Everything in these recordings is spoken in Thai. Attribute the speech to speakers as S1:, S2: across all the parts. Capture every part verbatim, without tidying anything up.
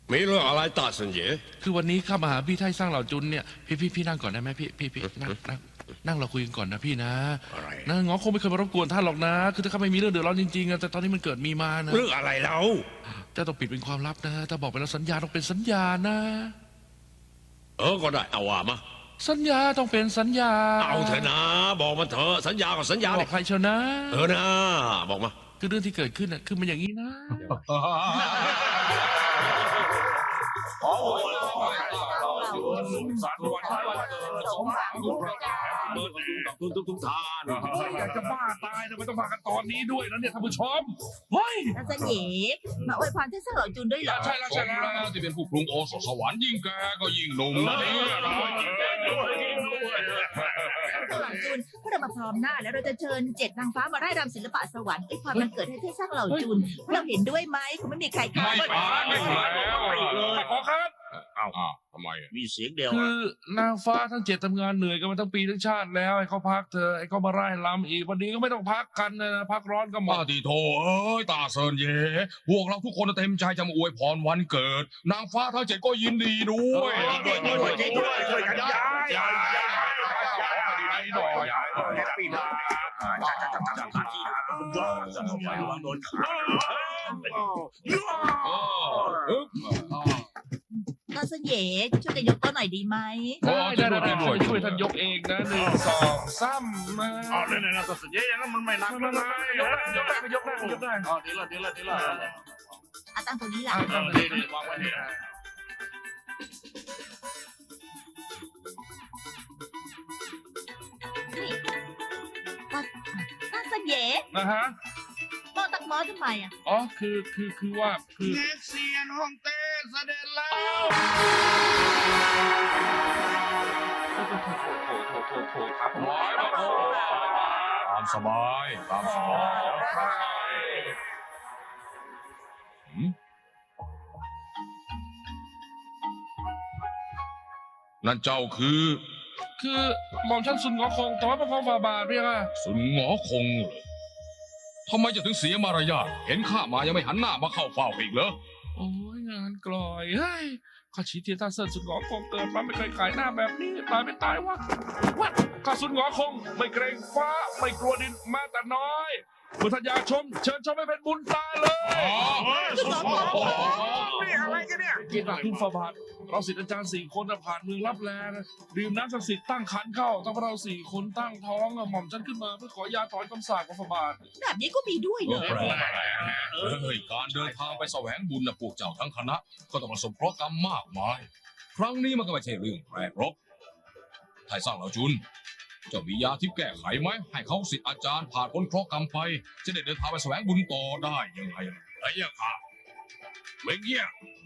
S1: มีเรื่องอะไรตาสัญญา
S2: คือวันนี้ข้ามาหาพี่ไทสร้างเหล่าจุนเนี่ยพี่พี่พี่นั่งก่อนได้ไหมพี่พี่พี่นั่งนั่งนั่งเราคุยกันก่อนนะพี่นะ
S1: อะไร
S2: นะง้อคงไม่เคยมารบกวนท่านหรอกนะคือถ้าข้าไม่มีเรื่องเดือดร้อนจริงๆแต่ตอนนี้มันเกิดมีมานะ
S1: เรื่องอะไรเรา
S2: จะต้องปิดเป็นความลับนะถ้าบอกไปแล้วสัญญาต้องเป็นสัญญานะ
S1: เออก็ได้เอาว่ามา
S2: สัญญาต้องเป็นสัญญา
S1: เอาเถอะนะบอกมาเถอะสัญญากับสัญญา
S2: บอกใครเชียวนะ
S1: เออนะบอกมา
S2: คือเรื่องที่เกิดขึ้นน่ะคือมันอย่างนี้นะ
S3: สารวันสองสามทุกประการเบิร์ดทุกทุกทุกทานอยากจะบ้าตายทำไมต้องมากันตอนนี้ด้วยนะเนี่ยท่านผู้ชมเฮ้ย
S4: อาจารย์เหยมาอวยพรท่านเสเหล่าจุนด้วยเหรอ
S3: ใช่แล้วใช่แล้วที่เป็นผู้ปรุงโอสถสวรรค์ยิ่งแกก็ยิ่งหนุ่มนะเนี่ย
S4: เสเหล่าจุนพวกเรามาพร้อมหน้าแล้วเราจะเชิญเจ็ดนางฟ้ามาไล่รำศิลปะสวรรค์อวยพรมันเกิดให้เทพสร้างเหล่าจุนเราเห็นด้วยไหมคงไม่มีใครขัด
S3: ไม่ผ่านไม่ผ่านแล้วขอครับอ้าวทำไม
S5: มีเสียงเดียว
S2: คือนางฟ้าทั้งเจ็ดทำงานเหนื่อยกันมาทั้งปีทั้งชาติแล้วให้เขาพักเธอให้เขามาไล่ลำอีกวันนี้ก็ไม่ต้องพักกันนะพักร้อนก็หมด
S3: ตีโถเอ้ยตาเซินเย่พวกเราทุกคนเต็มใจจะมาอวยพรวันเกิดนางฟ้าทั้งเจ็ดก็ยินดีด้วย
S5: ด้วยด้วยด้วยช่วยกันย้ายย้ายย้าย
S3: ย้ายหน่อยย้าย
S5: ปีหน้าจะต้องไปวางโดนขา
S4: อาจารย์เหยช่วยกันยกตัวหน่อยดีไหม
S2: ได้ได้ได้ช่วยท่านยกเองนะหนึ่งสองสามมา
S5: อ๋อเนี่ยเนี่ยอาจารย์เหยอย่างนั้นมันไม่หนักนะ
S2: ยกได้ยกได้ยกได้ยกได้
S5: อ๋อดีละดีละดีละ
S4: อาตั้งตัวนี้ละ
S5: ตั้งตัวนี้วางไว้นี่
S4: อาจารย์เหย
S2: นะฮะ
S4: มอตักมอทำไมอ่ะ
S2: อ๋อคือคือคือว่าคือ
S5: เง็กเซียนฮ่องเต้เสด็จแล้ว
S2: โถโถโถโถครับ
S3: ร้อยมาโถตามสบายตามสบายนั่นเจ้าคือ
S2: คือหม่อมฉันสุนงอคงแต่ว่าพระพองฝ่าบาทเรียกว่า
S3: สุนงอคงเหรอทำไมจะถึงเสียมารยาทเห็นข้ามายังไม่หันหน้ามาเข้าเฝ้าอีกเหรอ
S2: โอ้ยงานกลอยเฮ้ยข้าชีเทียนท่าเซินสุนงอคงเกิดมาไม่เคยขายหน้าแบบนี้ตายไม่ตายวะวัดข้าสุนงอคงไม่เกรงฟ้าไม่กลัวดินแม้แต่น้อยเมื่อท่านอยากชมเชิญชมให้เป็นบุญตาเลย
S5: นี่อะไรกันเนี่ย
S2: เกียรติคุณฝ่าบาทเราศิษย์อาจารย์สี่คนผ่านเมืองรับแลดื่มน้ำศักดิ์สิทธิ์ตั้งขันเข้าตั้งเราสี่คนตั้งท้องหม่อมฉันขึ้นมาเพื่อขอยาถอนคำสาปของฝ่าบาท
S4: แบบนี้ก็มีด้วยเหรอ
S3: เฮ้ยการเดินทางไปแสวงบุญนะพวกเจ้าทั้งคณะก็ต้องประสบเคราะห์กรรมมากมายครั้งนี้มันก็ไม่ใช่เรื่องแปลกหรอกไทยสร้างเหล่าจุนเจ้ามียาที่แก้ไขไหมให้เขาศิษย์อาจารย์ผ่านพ้นเคราะห์กรรมไปจะได้เดินทางไปแสวงบุญต่อได้ยังไง
S5: ไอ้ยาค่ะเมื่อกี้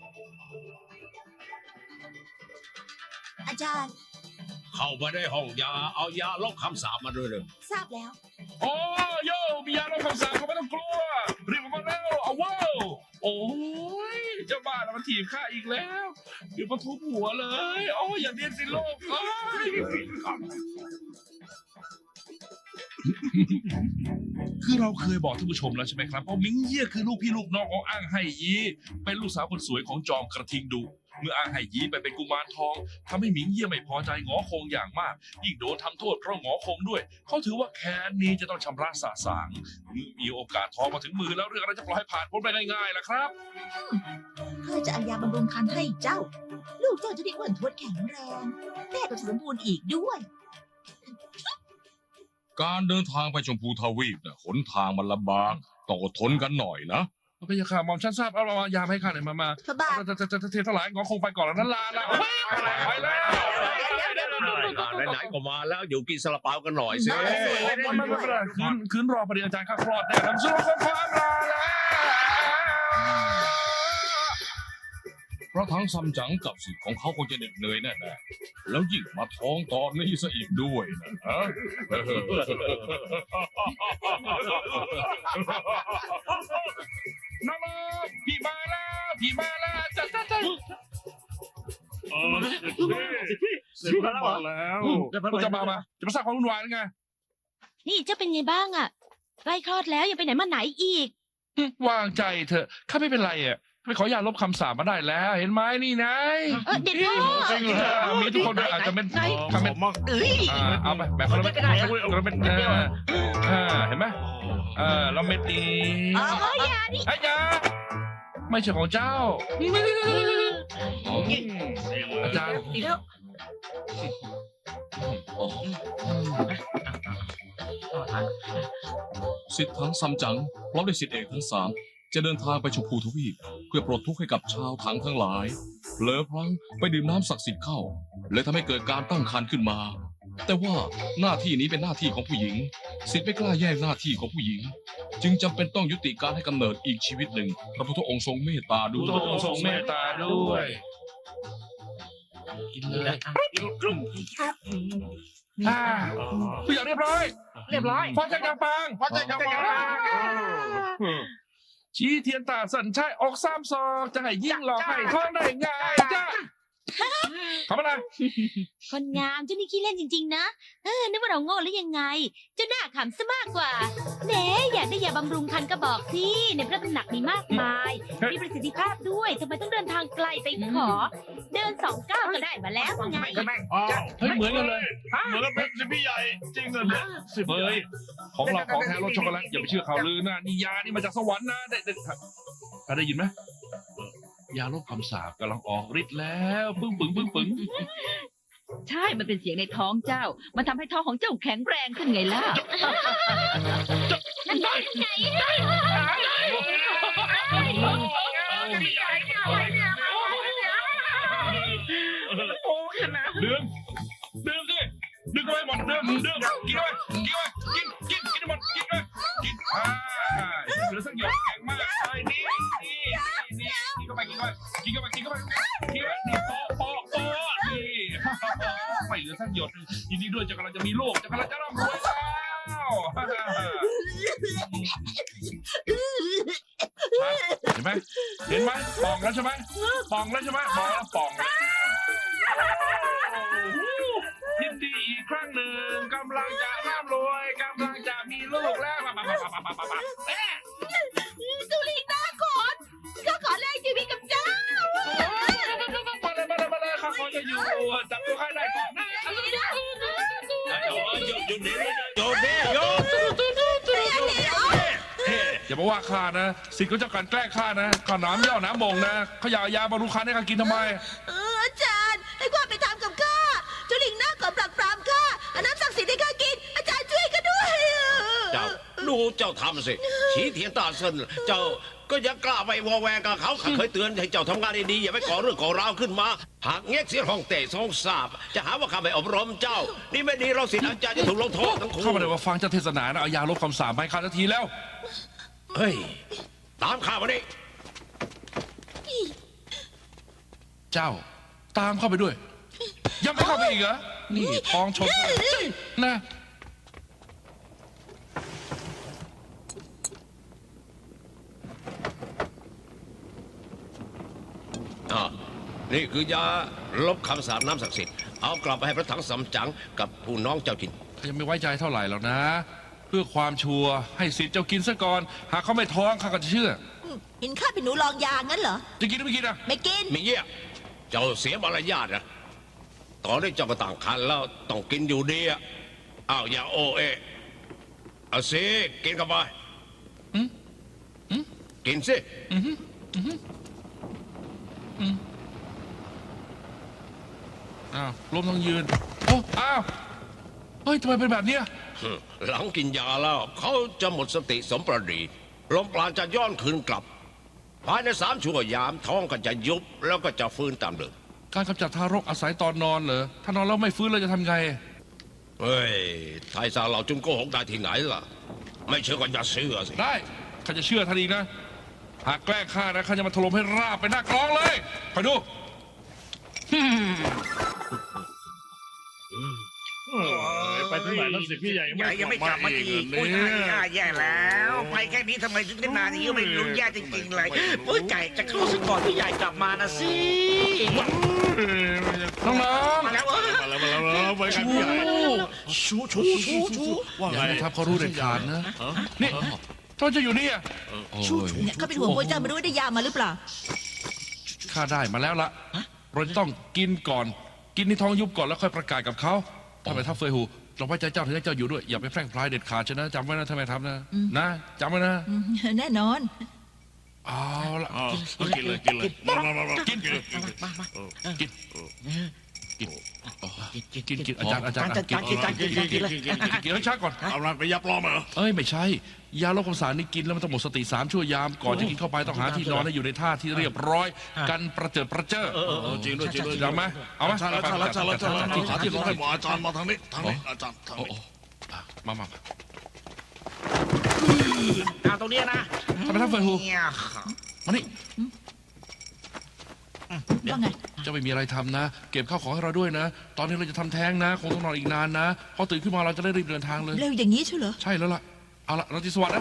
S4: อาจารย์
S5: เข้าไปได้ห้องยาเอายาลบคำสาปมาด้วยเลย
S4: ทราบแล้ว
S2: โอ้โย่มียาลบคำสาปก็ไม่ต้องกลัวรีบมาแล้วเอาว้าวโอ้ยเจ้าบ้านมันถีบข้าอีกแล้วเดี๋ยวมาทุบหัวเลยโอ้ยอย่าเรียนสิโลกเอ้ยคือเราเคยบอกท่านผู้ชมแล้วใช่ไหมครับว่ามิงเยี่ยคือลูกพี่ลูกน้องของอ้างไห่ยีเป็นลูกสาวคนสวยของจอมกระทิงดูเมื่ออ้างไห่ยีไปเป็นกุมารทองทำให้มิงเยี่ยไม่พอใจงอคงอย่างมากยิ่งโดนทำโทษเพราะงอคงด้วยเขาถือว่าแค้นนี้จะต้องชำระสาสางมีโอกาสทองมาถึงมือแล้วเรื่องอะไรจะปล่อยให้ผ่านพ้นไปง่ายๆล่ะครับ
S4: เพื่อจะเอายาบำรุงคันให้เจ้าลูกเจ้าจะได้อ้วนท้วนแข็งแรงแม่ก็สมบูรณ์อีกด้วย
S3: การเดินทางไปชมพูทวีปเนี่ยหนทางมันลำบากต้องอดทนกันหน่อยนะ
S2: พระยาค่ะหม่อมฉันทราบเอายาให้ข้าหน่อยมามา
S4: พระบาท
S2: จะจะจะเทถลายงอคงไปก่อนแล้วนั่นลาละไปแล้ว
S5: ไหนๆก็มาแล้วอยู่กินซาลาเปากันหน่อยสิ
S2: ไม่ไม่ไม่คืนคืนรอประเดี๋ยวอาจารย์ข้าคลอดแน่ทำสุรคงความลาแล้ว
S3: เพราะทั้งซัมจั๋งกับสิทธิ์ของเขาคงจะเหน็ดเหนื่อยแน่ๆแล้วยิ่งมาท้องตอนนี้ซะอีกด้วยนะฮะ
S2: น้องพี่มาแล้วพี่มาแล้วจัดจัดจัด
S5: เออเสร็จแล้วมาแล้ว
S2: คุณจะมามาจะมาสร้างความวุ่นวายหรือไง
S6: นี่เจ้าเป็นไงบ้างอ่ะใกล้คลอดแล้วยังไปไหนมาไหนอีก
S2: วางใจเถอะข้าไม่เป็นไรอ่ะไปขอยาลบคำสาปมาได้แล้ว เห็นไหมนี่ไง
S6: เออเด็กพ่อ
S5: จริงเหรอ
S2: มีทุกคนอาจจะเป็น
S5: ข
S2: คำ
S5: อ
S2: เป็น
S5: มาก
S4: เอ้ย
S2: อ่าเอาไปแบบคนละเม็ดคนละเม็ดเออเออเห็นไหมเออแล้วเม็ดนี้
S4: อ๋ออย่า
S2: ไอ้ยาไม่ใช่ของเจ้า อาจารย์
S4: อีกแล้ว
S3: สิทธิ์ทั้งซัมจั๋งพร้อมด้วยสิทธิเอกทั้งสามจะเดินทางไปชมพูทวีปเพื่อปลดทุกข์ให้กับชาวถังทั้งหลายเผลอพลั้งไปดื่มน้ำศักดิ์สิทธิ์เข้าเลยทำให้เกิดการตั้งครรภ์ขึ้นมา แต่ว่าหน้าที่นี้เป็นหน้าที่ของผู้หญิง สิทธิ์ไม่กล้าแย่งหน้าที่ของผู้หญิง จึงจำเป็นต้องยุติการให้กำเนิดอีกชีวิตหนึ่งพระพุทธองค์ทรงเมตตาด้
S2: ดู
S3: วย
S2: ต้องทรงเมตตาด้วย กินเลยอ่าทุกอย่างเรียบร้อย
S4: เรียบร้อย
S2: ฟังจากกางปัง
S5: พระเจ้าจะมา
S2: ชี้เทียนตาสัญชัยออกสามศอกจะให้ยิ่งหลอกให้ท้องได้ไงจ้าขำอะไร
S6: คนงามเจ้านี่ขี้เล่นจริงๆนะ เออนึกว่าเราโง่หรือยังไง เจ้าหน้าขำซะมากกว่าแหนอยากได้ยาบำรุงคันก็บอกสิในพระตำหนักมีมากมาย มีประสิทธิภาพด้วยทำไมต้องเดินทางไกลไปขอ เดินสองก้าวก็ได้มาแล้วไง
S5: อ้าว
S2: เฮ้ยเหมือนกันเลย
S5: เหมือนกับเป็นสิพี่ใหญ่จริงเหรอเนี่ยสิบ
S2: เฮ้ย ของเราของแท้รสช็อกโกแลตอย่าไปเชื่อข่าวลือนะนี่ยานี่มาจากสวรรค์นะได้ได้ถ้าได้ยินไหมยาลบคำสาปกำลังออกฤทธิ์แล้วปึ้งปึ้งปึ้งปึ้ง
S7: ใช่ มันเป็นเสียงในท้องเจ้า มันทำให้ท้องของเจ้าแข็งแรงขึ้นไงล่ะ
S6: นั่นไงไง
S2: ดื่มดื่มสิดื่มไปหมดดื่มดื่มกินไปกินไปกินกินกินหมดกินไปกินอ่าเหลือสักหยดแข็งมากเลยนี่นี่นี่กินเข้าไปกินเข้าไปกินเข้าไปกินเข้าไปกินเข้าไปนี่โป๊ะโป๊ะโป๊ะนี่ไม่เหลือสักหยดยินดีด้วยจะกำลังจะมีลูกจะกำลังจะร่ำรวยแล้วเห็นไหมเห็นไหมป่องแล้วใช่ไหมป่องแล้วใช่ไหมบอกแล้วป่องแล้วยินดีอีกครั้งหนึ่งกำลังจะร่ำรวยกำลังจะมีลูกแล้วมามามามามามาเอ๊ะ
S4: สุรินาขอนก็ขอแลกชีวิตกับเจ้า
S2: มาเลยมาเลยมาเลยข้าขอจะอยู่จับตัวใครได้ก่อนนะหยุดหยุดหยุดหยุดหยุดหยุดอย่ามาว่าข้านะสิทธิ์เขาจะการแกล้งข้านะข้าน้ำย่อน้ำบ่งนะเขาอยากยาบำรุงคันให้ข้ากินทำไม
S4: เอออาจารย์ให้ความไปทำกับข้าเจ้าลิงหน้าขอปรักปรามข้าเอาน้ำศักดิ์สิทธิ์ให้ข้ากิน อาจารย์ช่วยข้าด้วย
S1: เจ้าดูเจ้าทำสิชี้เทียนตาเซินเจ้าก็ยังกล้าไปวอแวงกับเขาข้าเคยเตือนให้เจ้าทำงานดีๆอย่าไปก่อเรื่องก่อราวขึ้นมาหากเงี้ยเสียห้องเตะสองสาบจะหาว่าข้าไม่อบรมเจ้า นี่ไม่ดีเราสิอาจารย์จะถูกลงโทษทั้งคู่
S2: เข้ามาเลยว่าฟังเจ้าเทศนานะเอายาลบคำสาปให้ข้าทันทีแล้ว
S1: เฮ้ยตามข้ามาดิ
S2: เจ้าตามเข้าไปด้วย ยังไม่เข้าไปอีกเหรอนี่ท้องชนนะ
S1: อ่านี่คือยาลบคำสาปน้ำศักดิ์สิทธิ์เอากลับไปให้พระถังสำจั๋งกับผู้น้องเจ้ากิน
S2: ข้ายังไม่ไว้ใจเท่าไหร่หรอกนะ เพื่อความชัวร์ให้สิทธิ์เจ้ากินซะก่อนหากเขาไม่ท้องข้าก็จะเชื่อ
S4: เห็นข้าเป็นหนูลองยางั้นเหรอ
S2: จะกินหรือไม่กินอ่ะ
S4: ไม่กิน
S1: มีเงี้ยเจ้าเสียมารยาทนะตอนนี้เจ้าก็ต่างคันแล้วต้องกินอยู่ดีอ่ะอ้าวอย่าโอเอะเอาสิกินเข้าไปกินสิ
S2: อ้าวล้มทั้งยืนโอ้อ้าวเฮ้ยทำไมเป็นแบบเนี้ย
S1: หลังกินยาแล้วเขาจะหมดสติสมประดีลมปราณจะย้อนคืนกลับ ภายในสามชั่วยามท้องก็จะยุบแล้วก็จะฟื้นตามเดิม
S2: การกำจัดทารกอาศัยตอนนอนเหรอถ้านอนแล้วไม่ฟื้นเราจะทำไง
S1: เฮ้ยไทยซาเหล่าจุนโกหกได้ที่ไหนล่ะ ไม่เชื่อก็อย่าเชื่อสิ
S2: ได้ข้าจะเชื่อท่านอีกนะหากแกล้งข้านะข้าจะมาถล่มให้ราบไปหน้ากลองเลยคอยดู
S5: ไปที่ไหนแล้วสิพี่ใหญ่ยังไม่กลับมาอีก
S8: โอ้ยแย่แล้ว ไปแค่นี้ทำไมถึงได้นานอย่างนี้ไม่รู้แย่จริงๆเลยโอ้ยใจจะเข้าซะก่อนพี่ใหญ่กลับมานะสิ
S2: น้อง
S8: มาแล้ว
S5: มาแล้วมาแล้วมาแล้วไปกันพี่ใหญ่
S8: ชูชูชูชู
S5: ว่า
S2: ๆอ
S5: ไง
S2: ย่าให้ทับเขารู้เด็ดขาดนะนี่ทำไมจะอยู่นี่อ่ะโอ้ย
S4: เนี่ยเขาเป็นห่วงพวกเจ้าไม่รู้ว่าได้ยามาหรือเปล่า
S2: ข้าได้มาแล้วละเราจะต้องกินก่อน กินในท้องยุบก่อนแล้วค่อยประกาศกับเขาทำไมทัพเฟยหูเราไว้ใจเจ้าถึงให้เจ้าอยู่ด้วยอย่าไปแพร่งพรายเด็ดขาดชนะจำไว้นะทำไมทำนะนะจำไว้นะ
S4: อืมแน่นอน
S2: เอาละ
S5: อ๋อกินเลยกินเลยมามามามากินกิน
S2: กินกินกินกินกินอาจารย์อาจารย์กินกินกินกินกินกินกินให้ช้าก่อน
S5: เอาอะไรไปยับล้อมาเหรอ
S2: เอ้ยไม่ใช่ ยาลดความสารนี่กินแล้วมันต้องหมดสติสามชั่วยามก่อนจะกินเข้าไปต้องหาที่นอนให้อยู่ในท่าที่เรียบร้อย กันประเจิดประเจ้อ
S5: เออจริงด้วยจริงด้วย
S2: จำไหมเอาไหม
S5: ใช่แล้วใช่แล้วใช่แล้วใช่แล้วหาที่นอนให้หมออาจารย์มาทางนี้ทางนี้อาจารย์ทาง
S2: โอ้
S5: นี้
S2: โอ้มามามา
S8: เอาตรงนี้นะ
S2: ทำไมทัพเฟยหู
S8: เนี่ย
S2: มานี่
S4: ว่าไง
S2: เจ้าไม่มีอะไรทำนะ เก็บข้าวของให้เราด้วยนะ ตอนนี้เราจะทำแท้งนะ คงต้องนอนอีกนานนะพอตื่นขึ้นมาเราจะได้รีบเดินทางเลย
S4: เร็วอย่างนี้ใช่เหรอ
S2: ใช่แล้วล่ะ เอาละเราจะสวัสดิ์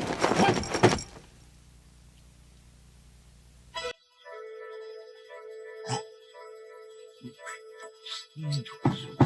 S2: นะ